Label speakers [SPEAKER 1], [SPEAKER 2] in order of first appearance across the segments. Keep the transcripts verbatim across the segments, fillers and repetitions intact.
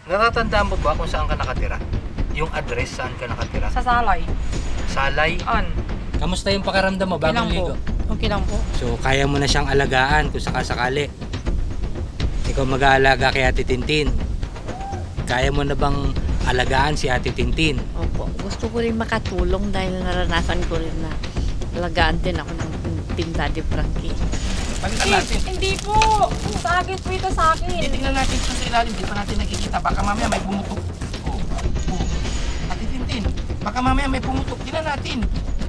[SPEAKER 1] Natatandaan mo ba kung saan ka nakatira? Yung address saan ka nakatira?
[SPEAKER 2] Sa Salay.
[SPEAKER 1] Salay?
[SPEAKER 2] An.
[SPEAKER 1] Kamusta yung pakiramdam mo
[SPEAKER 2] Okay
[SPEAKER 1] bagong
[SPEAKER 2] lang po.
[SPEAKER 1] ligo?
[SPEAKER 2] Okay lang po.
[SPEAKER 1] So, kaya mo na siyang alagaan kung sakasakali. Ikaw mag-aalaga kay Ate Tintin. Kaya mo na bang alagaan si Ate Tintin?
[SPEAKER 3] Opo. Gusto ko rin makatulong dahil naranasan ko rin na alagaan din ako ng Team Daddy Frankie.
[SPEAKER 4] Palitan natin.
[SPEAKER 2] Hindi po. Sa akin po ito sa akin.
[SPEAKER 4] Titingnan natin ito sa ilalim. Di pa natin nakikita. Baka mamaya may pumutok. Oh. Oh. Ate Tintin. Baka mamaya may pumutok. Tingnan natin.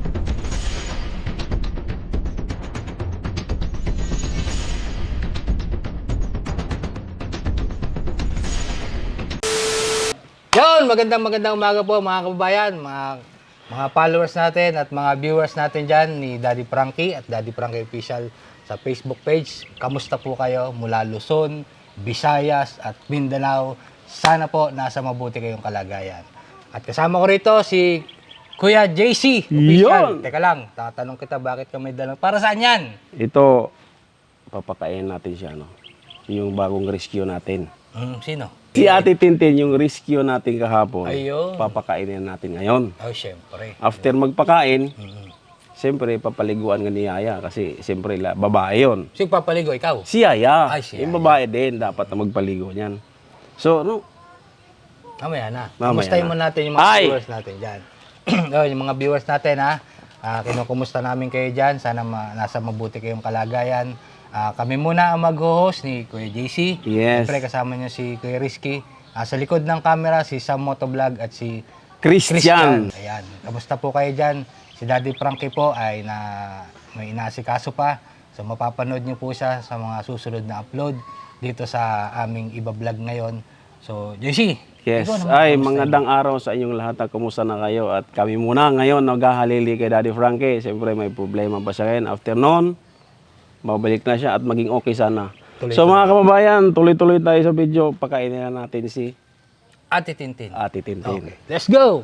[SPEAKER 1] Yon, magandang magandang umaga po mga kababayan, mga, mga followers natin at mga viewers natin dyan ni Daddy Frankie at Daddy Frankie Official sa Facebook page. Kamusta po kayo mula Luzon, Visayas at Mindanao? Sana po nasa mabuti kayong kalagayan. At kasama ko rito si Kuya J C Official.
[SPEAKER 5] Yon!
[SPEAKER 1] Teka lang, tatanong kita bakit ka may dalang. Para saan yan?
[SPEAKER 5] Ito, papakain natin siya, no? Yung bagong rescue natin.
[SPEAKER 1] Hmm, sino?
[SPEAKER 5] Si Ate Tintin, yung rescue natin kahapon,
[SPEAKER 1] Ayun.
[SPEAKER 5] papakainin natin ngayon.
[SPEAKER 1] Oh, syempre.
[SPEAKER 5] After magpakain,
[SPEAKER 1] Mm-hmm.
[SPEAKER 5] siyempre, papaliguan nga ni Yaya kasi siyempre, la- babae yun.
[SPEAKER 1] Sino papaligo? Ikaw?
[SPEAKER 5] Si Yaya,
[SPEAKER 1] Ay, si
[SPEAKER 5] yung
[SPEAKER 1] Yaya.
[SPEAKER 5] babae din, dapat na magpaligo niyan. So, no,
[SPEAKER 1] Mamaya na.
[SPEAKER 5] Mamaya
[SPEAKER 1] Kumustahin
[SPEAKER 5] na.
[SPEAKER 1] mo natin yung mga
[SPEAKER 5] Ay!
[SPEAKER 1] viewers natin dyan. oh, yung mga viewers natin ha. Uh, kinukumusta namin kayo dyan. Sana ma- nasa mabuti kayong kalagayan. Ah, kami muna ang mag-host ni Kuya J C.
[SPEAKER 5] Yes.
[SPEAKER 1] Siyempre kasama niyo si Kuya Rizky. Ah, sa likod ng camera, si Sam Motovlog at si
[SPEAKER 5] Christian.
[SPEAKER 1] Ayan. Kamusta po kayo dyan? Si Daddy Frankie po ay na may inaasikaso pa. So mapapanood niyo po siya sa mga susunod na upload dito sa aming iba-vlog ngayon. So, J C.
[SPEAKER 5] Yes.
[SPEAKER 1] ikaw naman,
[SPEAKER 5] Ay,
[SPEAKER 1] kamusta
[SPEAKER 5] magandang araw sa inyong lahat. Kumusta na kayo? At kami muna ngayon naghahalili kay Daddy Frankie. Siyempre, may problema pa siya ngayon. After noon, mabalik na siya at maging okay sana.
[SPEAKER 1] Tuloy-tuloy.
[SPEAKER 5] So mga kababayan, tuloy-tuloy tayo sa video. Pakainin na natin si
[SPEAKER 1] Ate Tintin.
[SPEAKER 5] Ate Tintin.
[SPEAKER 1] Okay. Let's go!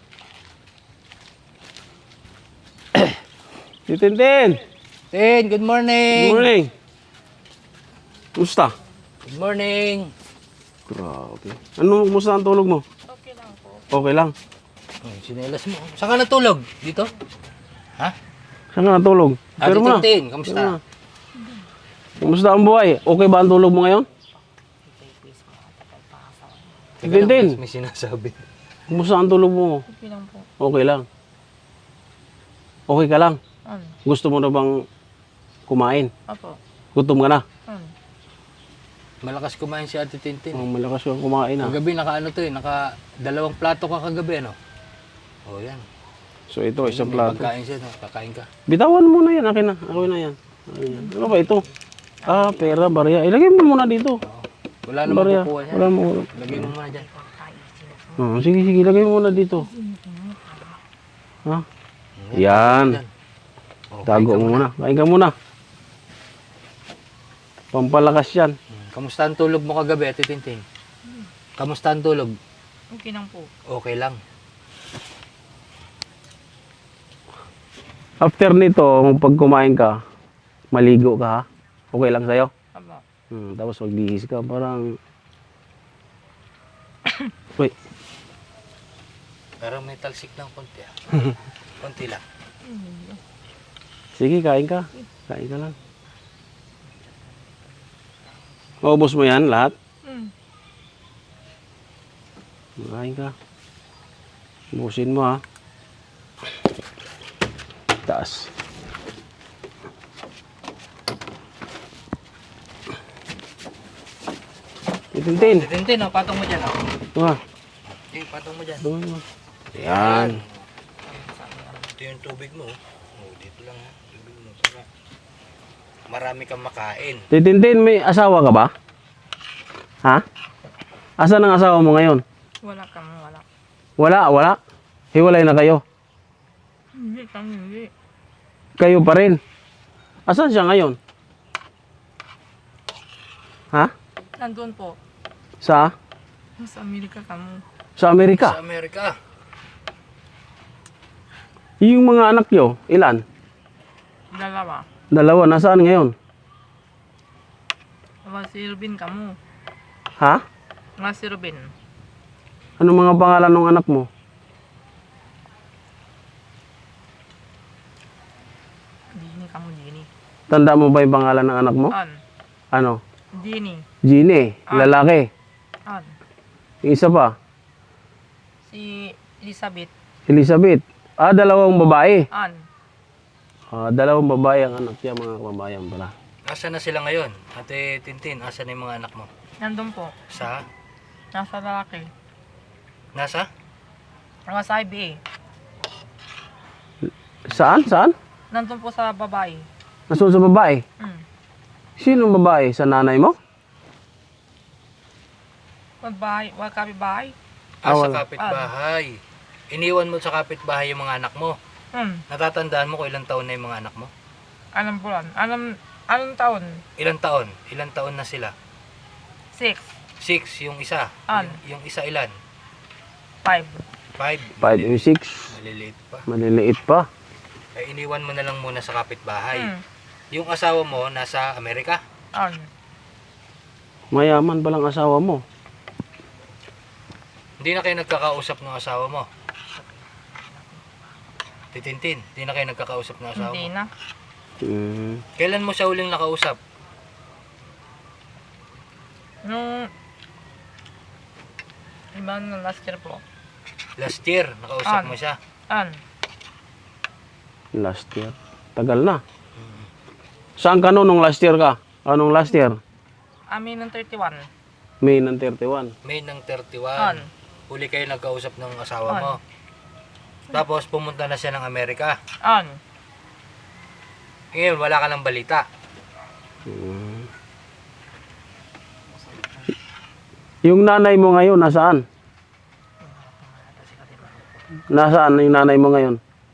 [SPEAKER 5] Si Tintin!
[SPEAKER 1] Tin, good morning!
[SPEAKER 5] Good morning! Kumusta?
[SPEAKER 1] Good morning!
[SPEAKER 5] Grabe. Ano, kumusta ang tulog mo?
[SPEAKER 2] Okay lang po.
[SPEAKER 5] Okay lang.
[SPEAKER 1] Oh, sinelas mo. Saan ka natulog? Dito? Ha?
[SPEAKER 5] Saan ka natulog?
[SPEAKER 1] Ate
[SPEAKER 5] Pero mo na.
[SPEAKER 1] Tintin,
[SPEAKER 5] Pero
[SPEAKER 1] kamusta?
[SPEAKER 5] mo na. Kumusta ang buhay? Okay ba ang tulog mo ngayon? Si
[SPEAKER 1] Teka lang,
[SPEAKER 5] Tintin,
[SPEAKER 1] May sinasabi.
[SPEAKER 5] kumusta ang tulog mo?
[SPEAKER 2] Okay lang po.
[SPEAKER 5] Okay lang. Okay ka lang.
[SPEAKER 2] An.
[SPEAKER 5] Gusto mo na bang kumain?
[SPEAKER 2] Opo.
[SPEAKER 5] Gutom ka na?
[SPEAKER 2] An.
[SPEAKER 1] Malakas kumain si Ate Tintin.
[SPEAKER 5] Oh, malakas kang kumain ah.
[SPEAKER 1] Kagabi, naka ano to eh, naka dalawang plato ka kagabi, ano? Oh, yan.
[SPEAKER 5] So ito, isang
[SPEAKER 1] May
[SPEAKER 5] plato.
[SPEAKER 1] Pagkain siya, no? Kakain ka.
[SPEAKER 5] Bitawan mo na yan. Akin na. Akin na yan. Ayan. Ano ba ito? Ah, pera, barya. Ilagay mo muna dito.
[SPEAKER 1] Wala namang
[SPEAKER 5] Barya.
[SPEAKER 1] kukuha yan.
[SPEAKER 5] Wala mo.
[SPEAKER 1] Lagay mo muna dyan.
[SPEAKER 5] Oh, sige, sige. Ilagay mo muna dito. Ha? Yan.
[SPEAKER 1] Dyan. Oh,
[SPEAKER 5] Tago mo muna. Kain ka muna. Pampalakas yan.
[SPEAKER 1] Hmm. Kamusta ang tulog mo kagabi, Ate Tintin? Kamusta ang tulog?
[SPEAKER 2] Okay lang po.
[SPEAKER 1] Okay lang.
[SPEAKER 5] After nito, pag kumain ka, maligo ka ha? Okay lang sa'yo?
[SPEAKER 2] Opo.
[SPEAKER 5] Hmm, tapos magbihis ka, parang... Wait,
[SPEAKER 1] Pero may talsik ng konti, ah. Konti lang.
[SPEAKER 5] sige, kain ka. Kain ka lang. Maubos mo yan lahat?
[SPEAKER 2] Hmm.
[SPEAKER 5] Kain ka. Ubusin mo ha. Taas. Itintin.
[SPEAKER 1] Ate Tintin, oh, patong mo dyan, oh.
[SPEAKER 5] Ito ha.
[SPEAKER 1] Eh, patong mo dyan.
[SPEAKER 5] Ito mo. Yan.
[SPEAKER 1] Ito yung tubig mo. Oh, dito lang ha. Tubig mo. Para marami kang makain.
[SPEAKER 5] Titintin, may asawa ka ba? Ha? Asan ang asawa mo ngayon?
[SPEAKER 2] Wala kami, wala.
[SPEAKER 5] Wala, wala. Hiwalay na kayo.
[SPEAKER 2] Hindi kami, hindi.
[SPEAKER 5] Kayo pa rin. Asan siya ngayon? Ha?
[SPEAKER 2] Nandun po.
[SPEAKER 5] Sa?
[SPEAKER 2] Sa Amerika kami.
[SPEAKER 5] Sa Amerika?
[SPEAKER 1] Sa Amerika.
[SPEAKER 5] Yung mga anak nyo, ilan?
[SPEAKER 2] Dalawa.
[SPEAKER 5] Dalawa, nasaan ngayon?
[SPEAKER 2] Wala si Irvin kamo.
[SPEAKER 5] Ha?
[SPEAKER 2] Nga si Ruben.
[SPEAKER 5] Ano mga pangalan ng anak mo?
[SPEAKER 2] Dini ka mo, Dini.
[SPEAKER 5] Tanda mo ba yung pangalan ng anak mo?
[SPEAKER 2] An.
[SPEAKER 5] Ano?
[SPEAKER 2] Dini.
[SPEAKER 5] Gine,
[SPEAKER 2] Ah.
[SPEAKER 5] lalaki.
[SPEAKER 2] An.
[SPEAKER 5] Yung isa pa,
[SPEAKER 2] Si Elizabeth.
[SPEAKER 5] Elizabeth. Ah, dalawang babae.
[SPEAKER 2] An.
[SPEAKER 5] Ah, dalawang babae ang anak niya, mga kababayan pala.
[SPEAKER 1] Asa na sila ngayon? Ate Tintin, asa na yung mga anak mo?
[SPEAKER 2] Nandun po.
[SPEAKER 1] Sa?
[SPEAKER 2] Nasa lalaki.
[SPEAKER 1] Nasa?
[SPEAKER 2] Nga sa I B A.
[SPEAKER 5] Saan? Saan?
[SPEAKER 2] Nandun po sa babae.
[SPEAKER 5] Nasaan sa babae?
[SPEAKER 2] Mm.
[SPEAKER 5] Sinong babae? Sa nanay mo?
[SPEAKER 2] Babae. Wala kami bahay.
[SPEAKER 1] Ah,
[SPEAKER 5] Ah,
[SPEAKER 1] sa
[SPEAKER 5] wala.
[SPEAKER 1] kapitbahay. Iniwan mo sa kapitbahay yung mga anak mo.
[SPEAKER 2] Hmm.
[SPEAKER 1] Natatandaan mo kung ilang taon na yung mga anak mo?
[SPEAKER 2] Anong bulan? Anong, anong taon?
[SPEAKER 1] Ilang taon? Ilang taon na sila?
[SPEAKER 2] Six.
[SPEAKER 1] Six, yung isa.
[SPEAKER 2] An.
[SPEAKER 1] Yung, yung isa ilan?
[SPEAKER 2] Five.
[SPEAKER 1] Five.
[SPEAKER 5] five and six.
[SPEAKER 1] Maliliit pa.
[SPEAKER 5] Maliliit pa.
[SPEAKER 1] Ay, iniwan mo na lang muna sa kapitbahay.
[SPEAKER 2] Hmm.
[SPEAKER 1] Yung asawa mo nasa Amerika.
[SPEAKER 2] An.
[SPEAKER 5] Mayaman palang asawa mo.
[SPEAKER 1] Hindi na kayo nagkakausap ng asawa mo. Titintin, hindi na kayo nagkakausap ng asawa
[SPEAKER 2] Hindi
[SPEAKER 1] mo.
[SPEAKER 2] na.
[SPEAKER 5] Hmm.
[SPEAKER 1] Kailan mo siya huling nakausap?
[SPEAKER 2] Nung... Iba na last year po.
[SPEAKER 1] Last year, nakausap
[SPEAKER 2] An.
[SPEAKER 1] mo siya.
[SPEAKER 2] An.
[SPEAKER 5] Last year. Tagal na. Saan ka noon nung last year ka? Anong last year?
[SPEAKER 2] Amin ng thirty-one.
[SPEAKER 5] May ng thirty-one.
[SPEAKER 1] May ng thirty-one.
[SPEAKER 2] An.
[SPEAKER 1] Huli kayo nagkausap ng asawa
[SPEAKER 2] An.
[SPEAKER 1] mo. Tapos pumunta na siya ng Amerika.
[SPEAKER 2] An.
[SPEAKER 1] Ngayon, wala ka ng balita.
[SPEAKER 5] Hmm. Yung nanay mo ngayon, nasaan? Nasaan yung nanay mo ngayon?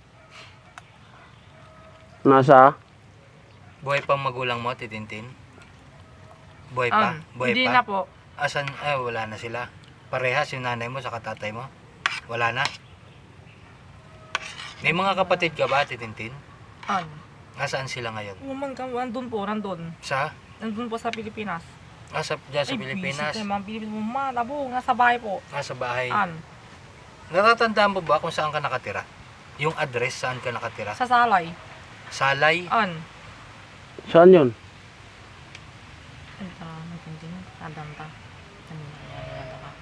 [SPEAKER 5] Nasa?
[SPEAKER 1] Buhay pang magulang mo, Titintin? Buhay pa?
[SPEAKER 2] An.
[SPEAKER 1] Buhay
[SPEAKER 2] Hindi
[SPEAKER 1] pa?
[SPEAKER 2] na po.
[SPEAKER 1] Asan? Eh, wala na sila. Parehas yung nanay mo sa tatay mo? Wala na? May mga kapatid ka ba, Titintin?
[SPEAKER 2] An.
[SPEAKER 1] Nasaan sila ngayon?
[SPEAKER 2] Woman ka, nandun po, nandun.
[SPEAKER 1] Sa?
[SPEAKER 2] Nandun po sa Pilipinas.
[SPEAKER 1] Ah, sa, dyan sa Pilipinas?
[SPEAKER 2] Ay, mga Pilipinas mo, malabo, nasa bahay po.
[SPEAKER 1] Nasa bahay.
[SPEAKER 2] An.
[SPEAKER 1] Natatandaan mo ba kung saan ka nakatira? Yung address, saan ka nakatira?
[SPEAKER 2] Sa Salay.
[SPEAKER 1] Salay?
[SPEAKER 2] An.
[SPEAKER 5] Saan yun?
[SPEAKER 2] Ano ka, nagtintin? Adam ka. Ano na, ano ka.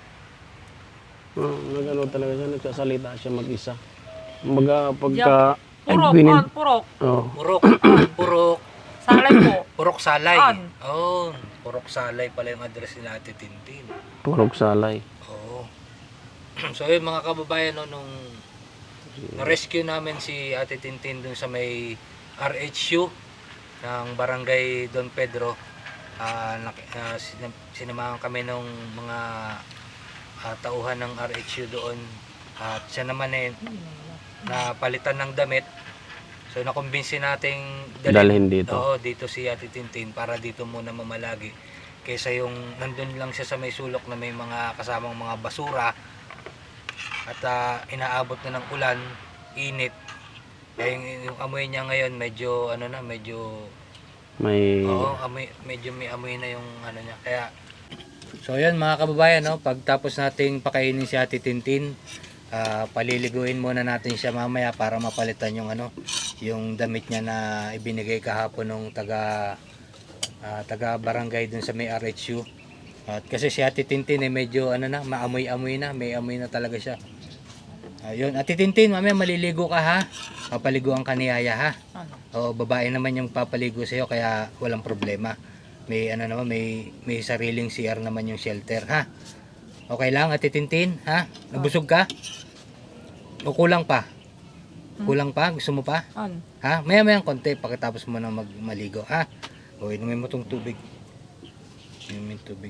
[SPEAKER 5] Oh, nagano talaga siya, nagsasalita siya mag-isa. Kumbaga, pagka...
[SPEAKER 2] Purok,
[SPEAKER 5] Pinin-
[SPEAKER 2] an, purok.
[SPEAKER 5] Oh.
[SPEAKER 1] Purok. Purok.
[SPEAKER 2] Salay po.
[SPEAKER 1] Purok Salay.
[SPEAKER 2] An.
[SPEAKER 1] Oh, Purok Salay pala yung address ni Ate Tintin.
[SPEAKER 5] Purok salay.
[SPEAKER 1] Oo. So yun mga kababayan, no, nung na-rescue namin si Ate Tintin dun sa may R H U ng Barangay Don Pedro, ah nak- ah, sin- sinamahan kami ng mga ah, tauhan ng R H U doon, at siya naman eh napalitan ng damit. So nakumbinsi nating
[SPEAKER 5] Dalhin dito.
[SPEAKER 1] Oo, dito si Ate Tintin para dito muna mamalagi. Kaysa yung nandun lang siya sa may sulok na may mga kasamang mga basura at ah, inaabot na ng ulan, init. Kaya yung, yung amoy niya ngayon medyo ano na, medyo
[SPEAKER 5] May...
[SPEAKER 1] oo, amoy, medyo may amoy na yung ano niya. Kaya so yan mga kababayan, no, pagtapos nating pakainin si Ate Tintin, ah, paliliguin muna natin siya mamaya para mapalitan yung ano, yung damit niya na ibinigay kahapon nung taga ah, taga barangay dun sa may R H U. At kasi si Ate Tintin eh medyo ano na, maamoy-amoy na, may amoy na talaga siya. Ayun, Ate Tintin, mamaya maliligo ka ha. Papaliguan ka ni Yaya ha.
[SPEAKER 2] An.
[SPEAKER 1] O babae naman yung papaligo sa iyo kaya walang problema. May ano naman, may may sariling C R naman yung shelter ha. Okay lang Ate Tintin ha? Nabusog ka? O kulang pa? Kulang pa? Gusto mo pa?
[SPEAKER 2] An.
[SPEAKER 1] Ha? Maya-maya konti pagkatapos mo na magmaligo ha. O inumin mo tong tubig. Inumin tubig.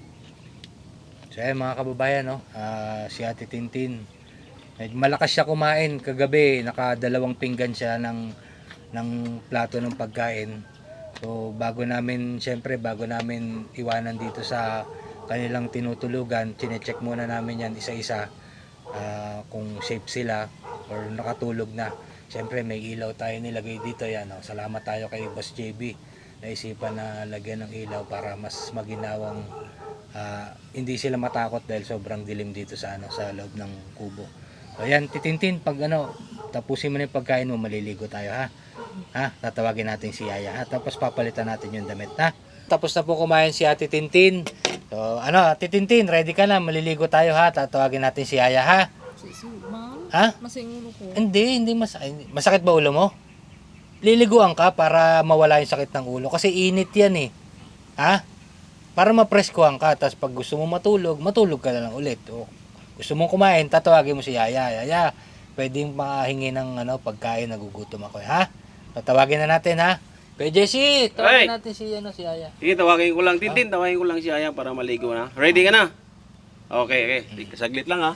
[SPEAKER 1] So ayun mga kababayan, no, ah, si Ate Tintin, medyo malakas siya kumain kagabi, nakadalawang pinggan siya ng ng plato ng pagkain. So bago namin, syempre bago namin iwanan dito sa kanilang tinutulugan, chine-check muna namin yan isa-isa, ah, kung safe sila or nakatulog na. Syempre may ilaw tayo nilagay dito yan. Oh. Salamat tayo kay Boss J B. Naisipan na lagyan ng ilaw para mas maginawang ah, hindi sila matakot dahil sobrang dilim dito sa ano sa loob ng kubo. So ayan, Titintin, pag ano, tapusin mo na yung pagkain mo, maliligo tayo ha. Ha? Tatawagin natin si Yaya ha. Tapos papalitan natin yung damit ha. Tapos na po kumain si Ate Tintin. So ano, Ate Tintin, ready ka na, maliligo tayo ha. Tatawagin natin si Yaya ha. Ha?
[SPEAKER 2] Masingulo ko.
[SPEAKER 1] Hindi, hindi masakit. Masakit ba ulo mo? Liliguan ka para mawala yung sakit ng ulo. Kasi init yan eh. Ha? Para mapreskuhan ka. Tapos pag gusto mo matulog, matulog ka na lang ulit. O, gusto mong kumain, tatawagin mo si Yaya. Yaya, pwedeng makahingi ng ano, pagkain, nagugutom ako. Ha? Tatawagin na natin ha. Kuya Jesse, tawagin
[SPEAKER 5] Ay!
[SPEAKER 1] natin si, ano, si Yaya.
[SPEAKER 5] Sige, tawagin ko lang, Tintin. Tawagin ko lang si Aya para maligo na. Ready ka na? Okay, okay. Saglit lang ha.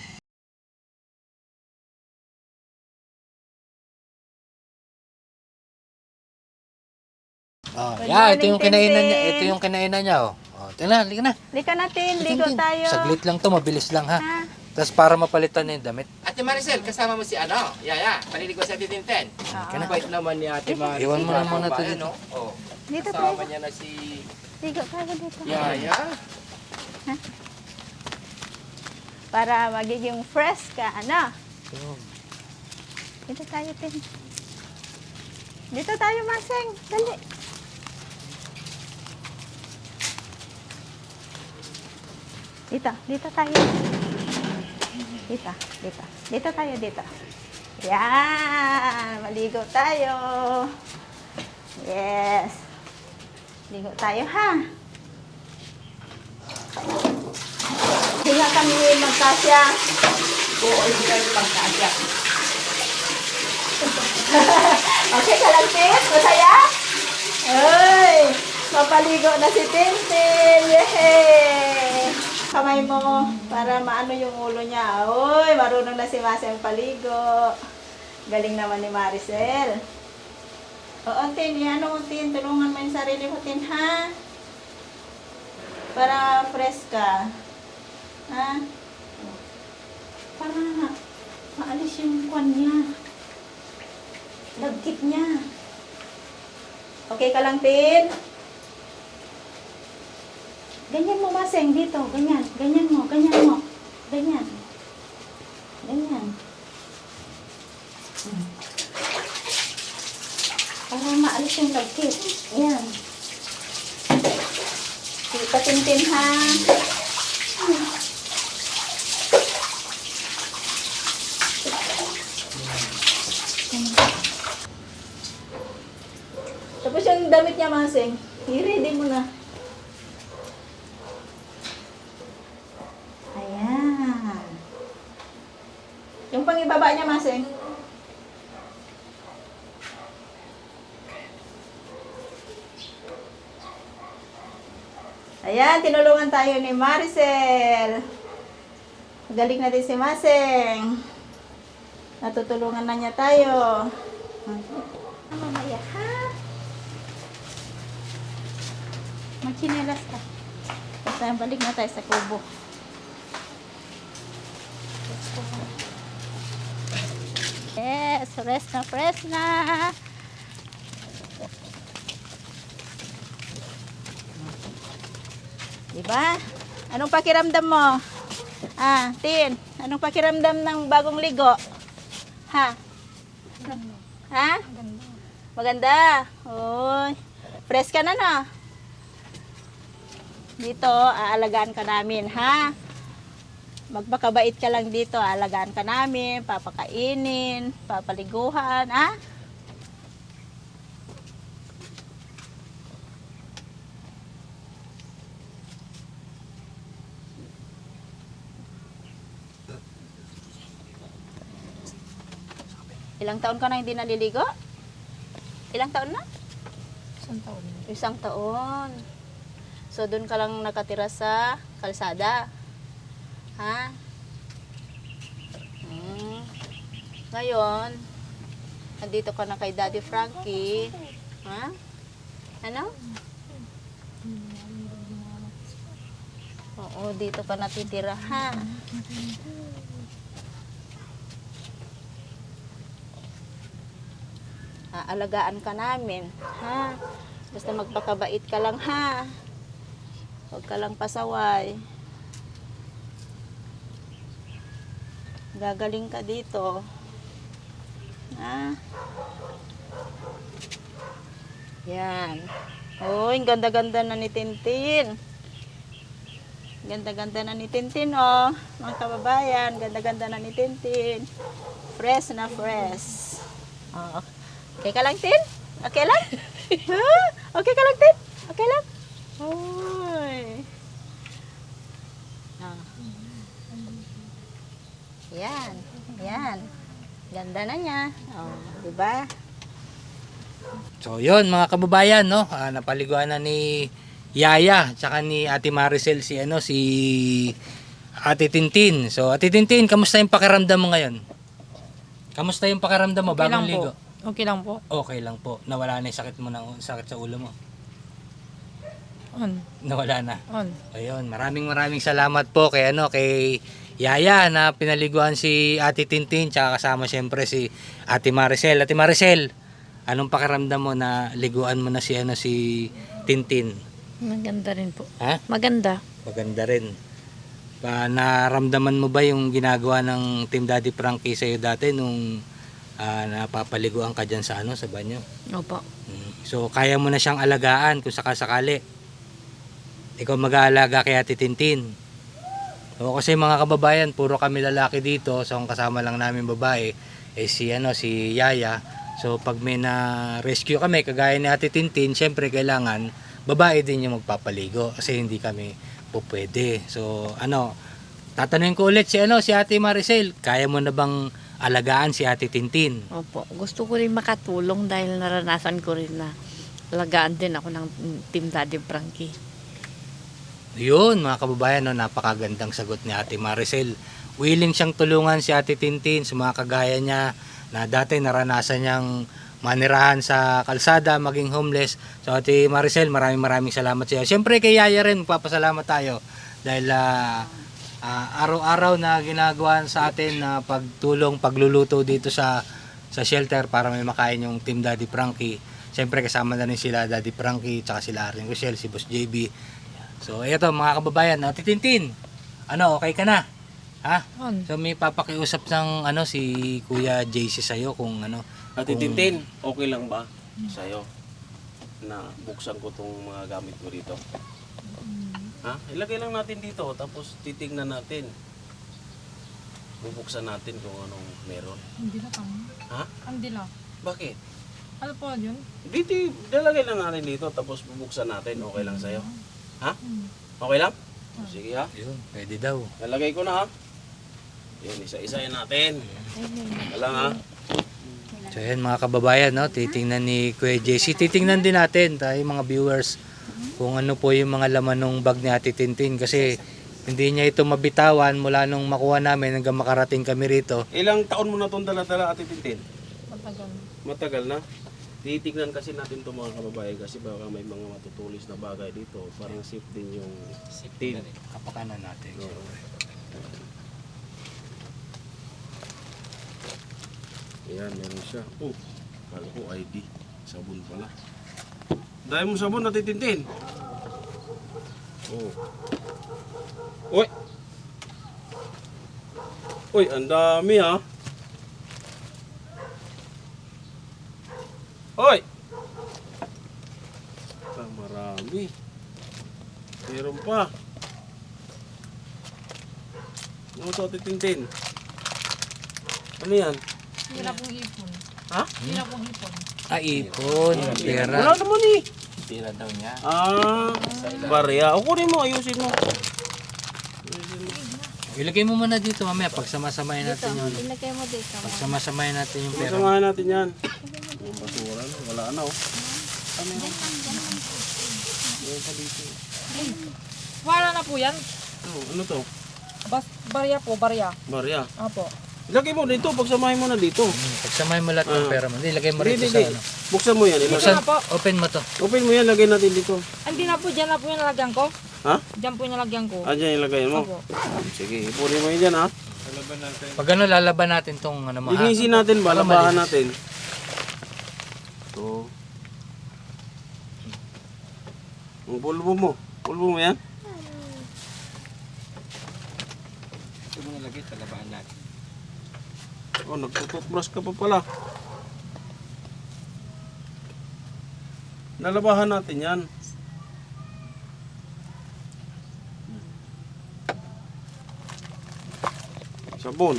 [SPEAKER 1] Oh,
[SPEAKER 3] Good
[SPEAKER 1] yeah, ito
[SPEAKER 3] morning,
[SPEAKER 1] yung kinainan niya.
[SPEAKER 3] Tintin.
[SPEAKER 1] Ito yung kinainan niya. Oh. Oh, tingnan, liga na.
[SPEAKER 3] Lika natin, ligo
[SPEAKER 1] Tintin,
[SPEAKER 3] tayo.
[SPEAKER 1] saglit lang to, mabilis lang ha.
[SPEAKER 3] Ha?
[SPEAKER 1] Tapos para mapalitan na yung damit.
[SPEAKER 4] Ate Maricel, kasama mo si ano? Yaya, paliligo sa Ate Tintin.
[SPEAKER 1] Ka na.
[SPEAKER 4] Bait naman ni Ate Maricel.
[SPEAKER 1] Iwan mo na muna to
[SPEAKER 4] Bayan,
[SPEAKER 1] dito.
[SPEAKER 4] no? Oh.
[SPEAKER 3] Dito
[SPEAKER 4] Kasama
[SPEAKER 3] tayo.
[SPEAKER 4] niya na si
[SPEAKER 3] Ligo tayo dito.
[SPEAKER 4] Yaya.
[SPEAKER 3] Para magiging fresh ka, ano? Dito tayo, Tin. Dito tayo, Maseng. Dali. Dito, dito tayo. Dito, dito. Dito tayo, dito. Yan! Maligo tayo. Yes. Ligo tayo, ha? Hinga kami magkasya.
[SPEAKER 4] Oo, hindi kayo pagkasya.
[SPEAKER 3] Okay ka lang, Tin? Masaya? Ay! Mapaligo na si Tintin! Yehey! Kamay mo para maano yung ulo niya. Uy, marunong na si Maseng paligo. Galing naman ni Maricel. Oo, Tin. Ano mo, Tin? Tulungan mo yung sarili mo, Tin, ha? Para fresh ka. Ha? Para maalis yung kwan niya. Lagkit niya. Okay ka lang, Tin? Ganyan mo, Maseng, dito. Ganyan. Ganyan mo. Ganyan mo. Ganyan. Ganyan. Hmm. Para maalis yung lagkit. Yan. Kita, Tintin, ha? Tapos yung damit niya, Maseng, i-ready mo na. Ayan. Yung pangibaba niya, Maseng. Ayan, tinulungan tayo ni Maricel. Galing na din si Maseng. Natutulungan na niya tayo. Mamaya, ha? Magchinelas ka. Basta balik na tayo sa kubo. Yes, fresh na fresh na. Diba? Anong pakiramdam mo? Ah, Tin, anong pakiramdam ng bagong ligo? Ha? Ha? Maganda. Oy. Fresh ka na, no? Dito, aalagaan ka namin, ha? Magpakabait ka lang dito, aalagaan ka namin, papakainin, papaliguhan, ha? Ilang taon ka na hindi naliligo? Ilang taon na?
[SPEAKER 2] Isang taon.
[SPEAKER 3] Isang taon. So, doon ka lang nakatira sa kalsada. Ha? Hmm. Ngayon, nandito ka na kay Daddy Frankie. Ha? Ano? Oo, dito ka natitira, ha? Aalagaan ka namin, ha? Basta magpakabait ka lang, ha? Huwag ka lang pasaway. Gagaling ka dito. Ah. Yan. Uy, ang ganda-ganda na ni Tintin. Ganda-ganda na ni Tintin, oh. Mga kababayan, ganda-ganda na ni Tintin. Fresh na fresh. Oh. Okay ka lang, Tin? Okay lang? Ha? Okay ka lang, Tin? Okay lang? Uy. Ah. Yan. Yan. Ganda na niya. Oh, di ba?
[SPEAKER 1] So yun mga kababayan, no, ah, napaliguan na ni Yaya tsaka ni Ate Maricel si ano si Ate Tintin. So Ate Tintin, kamusta yung pakiramdam mo ngayon? Kamusta yung pakiramdam mo
[SPEAKER 2] Okay
[SPEAKER 1] bagong
[SPEAKER 2] lang po.
[SPEAKER 1] ligo?
[SPEAKER 2] Okay lang po.
[SPEAKER 1] Okay lang po. Nawala na yung sakit mo ng sakit sa ulo mo.
[SPEAKER 2] On.
[SPEAKER 1] Nawala na.
[SPEAKER 2] On.
[SPEAKER 1] Ayun, maraming maraming salamat po kay ano kay Yaya na pinaliguan si Ate Tintin tsaka kasama siyempre si Ate Maricel. Ate Maricel, anong pakiramdam mo na liguan mo na si ano si Tintin?
[SPEAKER 2] Maganda rin po.
[SPEAKER 1] Ha?
[SPEAKER 2] Maganda.
[SPEAKER 1] Maganda rin. Pa, naramdaman mo ba yung ginagawa ng Team Daddy Frankie sa iyo dati nung ah, napapaliguan ka diyan sa ano sa banyo?
[SPEAKER 2] Opo.
[SPEAKER 1] Mm. So kaya mo na siyang alagaan kung sakasakali. Ikaw mag-aalaga kay Ate Tintin. So, kasi mga kababayan, puro kami lalaki dito. So ang kasama lang namin babae eh si ano si Yaya. So pag may na rescue kami kagaya ni Ate Tintin, syempre kailangan babae din yung magpapaligo kasi hindi kami po pwede. So ano, tatanungin ko ulit si ano si Ate Maricel, kaya mo na bang alagaan si Ate Tintin?
[SPEAKER 2] Opo. Gusto ko rin makatulong dahil naranasan ko rin na alagaan din ako ng Team Daddy Frankie.
[SPEAKER 1] Yun mga kababayan, no, napakagandang sagot ni Ate Maricel. Willing siyang tulungan si Ate Tintin sa mga kagaya niya na dati naranasan niyang manirahan sa kalsada, maging homeless. So Ate Maricel, maraming maraming salamat sa iyo. Siyempre kay Yaya rin, magpapasalamat tayo dahil ah, ah, araw-araw na ginagawa sa atin na pagtulong, pagluluto dito sa sa shelter para may makain yung Team Daddy Frankie. Siyempre kasama na rin sila Daddy Frankie, tsaka sila Aring Rochelle, si Boss J B. So eto mga kababayan, Ate Tintin, ano, okay ka na? Ha?
[SPEAKER 2] On.
[SPEAKER 1] So may papakiusap ng ano si Kuya J C sa'yo kung ano.
[SPEAKER 5] Ate
[SPEAKER 1] kung-
[SPEAKER 5] Tintin, okay lang ba sa'yo na buksan ko tong mga gamit mo dito? Ha? Ilagay lang natin dito, tapos titingnan natin. Bubuksan natin kung anong meron.
[SPEAKER 2] Hindi na kami.
[SPEAKER 5] Ha?
[SPEAKER 2] Hindi na.
[SPEAKER 5] Bakit?
[SPEAKER 2] Ano po yun?
[SPEAKER 5] Dito, dalagay lang natin dito, tapos bubuksan natin. Okay lang sa'yo? Ha? Okay lang? Sige ha.
[SPEAKER 1] Yun, pwede daw.
[SPEAKER 5] Nalagay ko na ha. Yun, isa-isayin natin. Wala ha.
[SPEAKER 1] So yan mga kababayan, no, titingnan ni Kuya J C. Titingnan din natin tayo mga viewers kung ano po yung mga laman ng bag ni Ate Tintin kasi hindi niya ito mabitawan mula nung makuha namin hanggang makarating kami rito.
[SPEAKER 5] Ilang taon mo na itong dala-dala, Ate Tintin?
[SPEAKER 2] Matagal.
[SPEAKER 5] Matagal na. Titignan kasi natin itong mga kababayan kasi baka may mga matutulis na bagay dito. Parang safe din yung tin.
[SPEAKER 1] Kapakanan natin.
[SPEAKER 5] Oo. Ayan, meron siya. Oh, kala ko I D. Sabon pala. Dahil mo sabon, Ate Tintin. Oh. Uy! Uy, ang dami ha. Hoy! Ah, marami. Meron pa. Ano to, Ate Tintin? Ano yan?
[SPEAKER 2] Hindi na pong ipon.
[SPEAKER 5] Ha?
[SPEAKER 2] Hindi na pong ipon.
[SPEAKER 1] Ah, ipon, pera.
[SPEAKER 5] Wala naman eh.
[SPEAKER 1] Pera daw niya.
[SPEAKER 5] Ah, barya. O kunin mo, ayusin mo.
[SPEAKER 1] Ilagay mo muna dito mamaya pagsama-samahin natin yung
[SPEAKER 3] Ilagay mo dito.
[SPEAKER 1] pagsama-samahin natin yung pera.
[SPEAKER 5] Samahan natin yan. Yung basura, no? Wala na oh.
[SPEAKER 2] Wala na po yan.
[SPEAKER 5] Ano, ano to?
[SPEAKER 2] Bas, barya po, barya.
[SPEAKER 5] Barya.
[SPEAKER 2] Apo.
[SPEAKER 5] Ilagay mo dito, pagsamahin mo na dito.
[SPEAKER 1] Hmm, pagsamahin mo lahat ng
[SPEAKER 5] Ah.
[SPEAKER 1] pera mo. Ilagay mo
[SPEAKER 5] Hindi,
[SPEAKER 1] rito
[SPEAKER 5] hindi,
[SPEAKER 1] sa
[SPEAKER 5] hindi.
[SPEAKER 1] ano.
[SPEAKER 5] Buksan mo yan. Ilagay.
[SPEAKER 1] Buksan,
[SPEAKER 2] na po.
[SPEAKER 1] open mo to.
[SPEAKER 5] Open mo yan, lagay natin dito.
[SPEAKER 2] Hindi na po, dyan na po yung nalagyan ko.
[SPEAKER 5] Ha?
[SPEAKER 2] Dyan po yung nalagyan ko.
[SPEAKER 5] Ah, dyan ilagay mo.
[SPEAKER 2] Opo.
[SPEAKER 5] Sige, ipunin mo yun dyan ha.
[SPEAKER 1] Pag ano, lalaban natin tong ano mo. ha?
[SPEAKER 5] Linisin natin ba?
[SPEAKER 1] Para
[SPEAKER 5] Labahan
[SPEAKER 1] malinis.
[SPEAKER 5] natin. Ito. Ang pulbo mo. Pulbo mo yan?
[SPEAKER 4] Ito mo nalagay, talabaan natin.
[SPEAKER 5] Oh, nagtututbrush ka pa pala. Lalabahan natin yan. Sabon.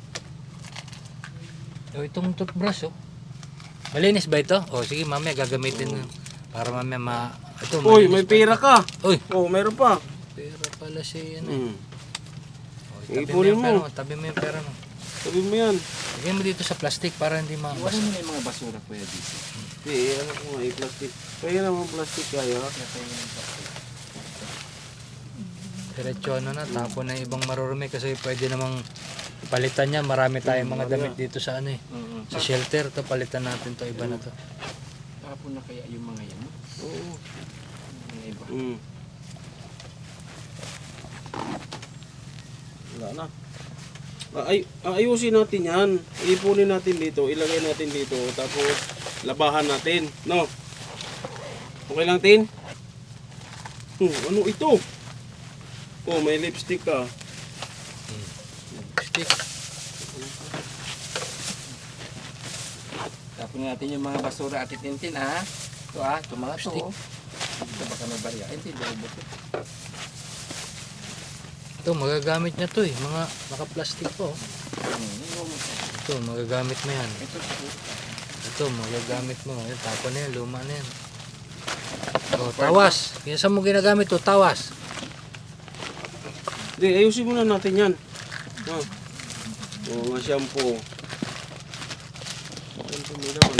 [SPEAKER 1] O, itong toothbrush, oh. Malinis ba ito? O, sige, mamaya gagamitin na. Para mamaya ma... Ito,
[SPEAKER 5] Uy,
[SPEAKER 1] malinis
[SPEAKER 5] may
[SPEAKER 1] pa.
[SPEAKER 5] pera ka.
[SPEAKER 1] Uy,
[SPEAKER 5] Oh, meron pa.
[SPEAKER 1] pera pala si ano.
[SPEAKER 5] Hmm.
[SPEAKER 1] O, tabi mo
[SPEAKER 5] Ipunin
[SPEAKER 1] yung
[SPEAKER 5] mo.
[SPEAKER 1] pera mo. Tabi mo yung pera mo.
[SPEAKER 5] Sabi mo yan.
[SPEAKER 1] Lagyan mo dito sa plastic para hindi
[SPEAKER 4] Iwanan
[SPEAKER 1] mabasa.
[SPEAKER 4] mo na yung mga basura, Kuya D C.
[SPEAKER 5] Hindi, ano ko nga, i-plastic. Kaya naman plastic kaya.
[SPEAKER 1] Diretso ano na, tapon na yung ibang marurumi kasi pwede namang palitan niya. Marami tayong mga damit dito sa ano eh.
[SPEAKER 4] Oo.
[SPEAKER 1] Sa shelter to, palitan natin to, iba na to.
[SPEAKER 4] Tapon na kaya yung mga yan. no?
[SPEAKER 5] Oo.
[SPEAKER 4] Mga iba.
[SPEAKER 5] Mm. Wala na. Ay, ayusin natin yan. Ipunin natin dito, ilagay natin dito, tapos labahan natin. No? Okay lang, Tin? Hmm, ano ito? Oh, may lipstick ka.
[SPEAKER 1] Stick.
[SPEAKER 4] Tapon na natin yung mga basura at itintin, ha? Ito, ha? Ito mga to. oh. Ito baka may barya. Ito, ito, ito.
[SPEAKER 1] Ito, magagamit niya to eh. Mga naka-plastic po. oh.
[SPEAKER 4] Hmm, yung-
[SPEAKER 1] Ito, magagamit mo yan.
[SPEAKER 4] Ito, ito.
[SPEAKER 1] Ito, magagamit mo. Ayan, tapon na yan, luma na yan. O, tawas. Yan saan mo ginagamit to, tawas.
[SPEAKER 5] Hindi, ayusin muna natin yan. Ha? Oh, mga shampoo. Shampoo mo naman.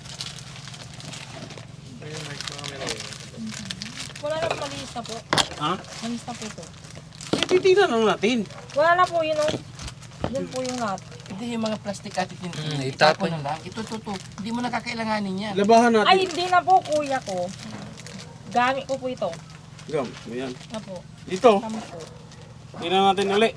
[SPEAKER 6] Wala na po, malinis na po.
[SPEAKER 5] Ha?
[SPEAKER 6] Malinis na po ito.
[SPEAKER 5] Titignan lang natin.
[SPEAKER 6] Wala na po yun, oh. Yun po yung lahat.
[SPEAKER 4] Hindi yung mga plastic at itintin.
[SPEAKER 1] Hmm,
[SPEAKER 4] itapon
[SPEAKER 1] itapon.
[SPEAKER 4] na lang. Ito, ito, ito. Hindi mo nakakailanganin yan.
[SPEAKER 5] Labahan natin.
[SPEAKER 6] Ay, hindi na po, kuya ko. Gamit ko po ito.
[SPEAKER 5] Gam, ayan.
[SPEAKER 6] Na po.
[SPEAKER 5] Dito,
[SPEAKER 6] Tama po.
[SPEAKER 5] tingnan natin ulit.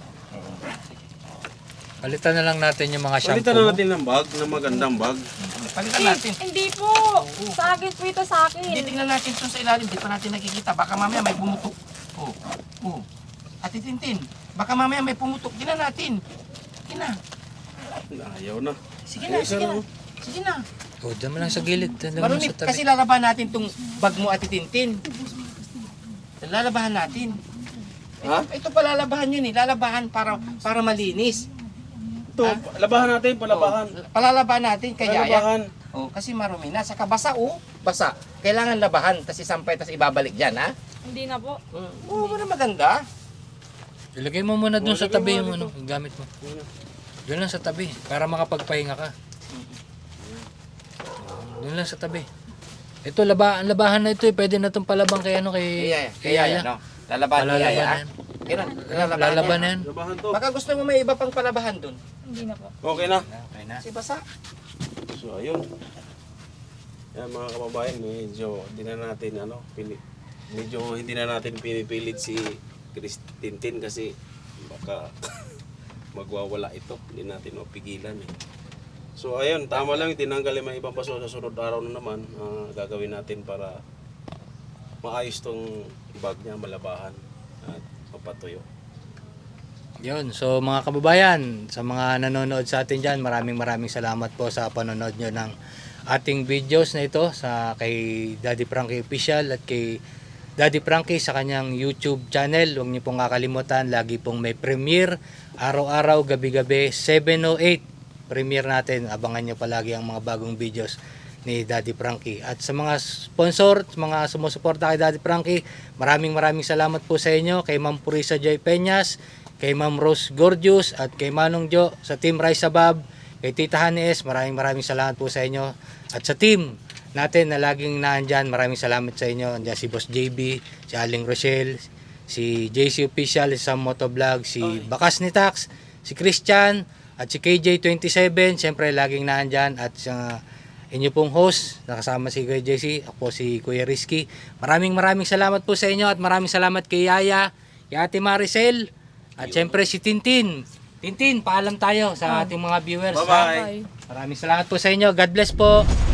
[SPEAKER 1] Palitan na lang natin yung mga shampoo
[SPEAKER 5] Palitan na
[SPEAKER 1] mo.
[SPEAKER 5] natin ng bag, ng magandang bag.
[SPEAKER 4] Palitan natin.
[SPEAKER 6] Hindi po. Sa akin po ito, sa akin.
[SPEAKER 4] Hindi, tingnan natin ito sa ilalim. Di pa natin nakikita. Baka mamaya may pumutok. Oh, oh. At itintin. Baka mamaya may pumutok. Tingnan natin. Sige na.
[SPEAKER 5] Ayaw na.
[SPEAKER 4] Sige na, sige na. Sige na.
[SPEAKER 1] O, dyan mo lang sa gilid. Dyan mo
[SPEAKER 4] Marunit,
[SPEAKER 1] sa tabi.
[SPEAKER 4] kasi lalabahan natin tong bag mo at itintin. Lalabahan natin.
[SPEAKER 5] Ha?
[SPEAKER 4] Ito, ito pa lalabahan yun eh. Lalabahan para para malinis.
[SPEAKER 5] Ito, labahan natin, palabahan.
[SPEAKER 4] Oh, palalabahan natin kaya
[SPEAKER 5] Palabahan.
[SPEAKER 4] Oh, kasi marumi na. Saka basa oh. Basa. Kailangan labahan. Tapos isampay, tapos ibabalik dyan ha.
[SPEAKER 6] Hindi na po.
[SPEAKER 4] Oo, oh, maganda.
[SPEAKER 1] Ilagay mo muna dun
[SPEAKER 5] O,
[SPEAKER 1] sa
[SPEAKER 5] lagay
[SPEAKER 1] tabi
[SPEAKER 5] mo
[SPEAKER 1] yung
[SPEAKER 5] dito.
[SPEAKER 1] ano, yung gamit mo. Doon lang sa tabi, para makapagpahinga ka. Doon lang sa tabi. Ito, laba, ang labahan na ito eh. Pwede na itong palabang kay ano, kay,
[SPEAKER 4] Kaya,
[SPEAKER 1] kay
[SPEAKER 4] kaya,
[SPEAKER 1] Yaya.
[SPEAKER 4] no? Lalabahan ni
[SPEAKER 1] Palalaban
[SPEAKER 4] Yaya.
[SPEAKER 1] na
[SPEAKER 4] ha?
[SPEAKER 1] yan.
[SPEAKER 4] Kaya, lalabahan,
[SPEAKER 1] Lalaban na
[SPEAKER 4] yan.
[SPEAKER 1] yan.
[SPEAKER 5] Labahan to.
[SPEAKER 4] Baka gusto mo may iba pang palabahan dun.
[SPEAKER 6] Hindi na po.
[SPEAKER 5] Okay na.
[SPEAKER 1] Okay na.
[SPEAKER 4] Kasi basa.
[SPEAKER 5] So, ayun. Yan mga kababayan, medyo hindi na natin ano, pili, medyo hindi na natin pinipilit si Chris Tintin kasi baka magwawala ito. Hindi natin mapigilan eh. So ayun, tama lang tinanggal yung mga ibang paso sa sunod araw na naman. ah, gagawin natin para maayos tong bag niya, malabahan at mapatuyo.
[SPEAKER 1] Yun, so mga kababayan, sa mga nanonood sa atin dyan, maraming maraming salamat po sa panonood nyo ng ating videos na ito sa kay Daddy Frankie Official at kay Daddy Frankie sa kanyang YouTube channel. Huwag niyo pong kakalimutan, lagi pong may premiere, araw-araw, gabi-gabi, seven oh eight premiere natin. Abangan nyo palagi ang mga bagong videos ni Daddy Frankie. At sa mga sponsor, sa mga sumusuporta kay Daddy Frankie, maraming maraming salamat po sa inyo, kay Ma'am Purisa Joy Peñas, kay Ma'am Rose Gorgeous, at kay Manong Jo sa Team Rise Above, kay Tita Honey S, maraming maraming salamat po sa inyo. At sa team natin na laging naandyan, maraming salamat sa inyo. Andiyan si Boss J B, si Aling Rochelle, si J C Official, si Sam Motovlog, si Bakas ni Tax, si Christian, at si K J twenty-seven, siyempre laging naandyan. At sa inyo pong host, nakasama si Kuya J C, ako po si Kuya Rizky. Maraming maraming salamat po sa inyo at maraming salamat kay Yaya, kay Ate Maricel, at siyempre si Tintin. Tintin, paalam tayo sa ating mga viewers. ha?
[SPEAKER 5] Bye-bye.
[SPEAKER 6] Bye.
[SPEAKER 1] Maraming salamat po sa inyo. God bless po.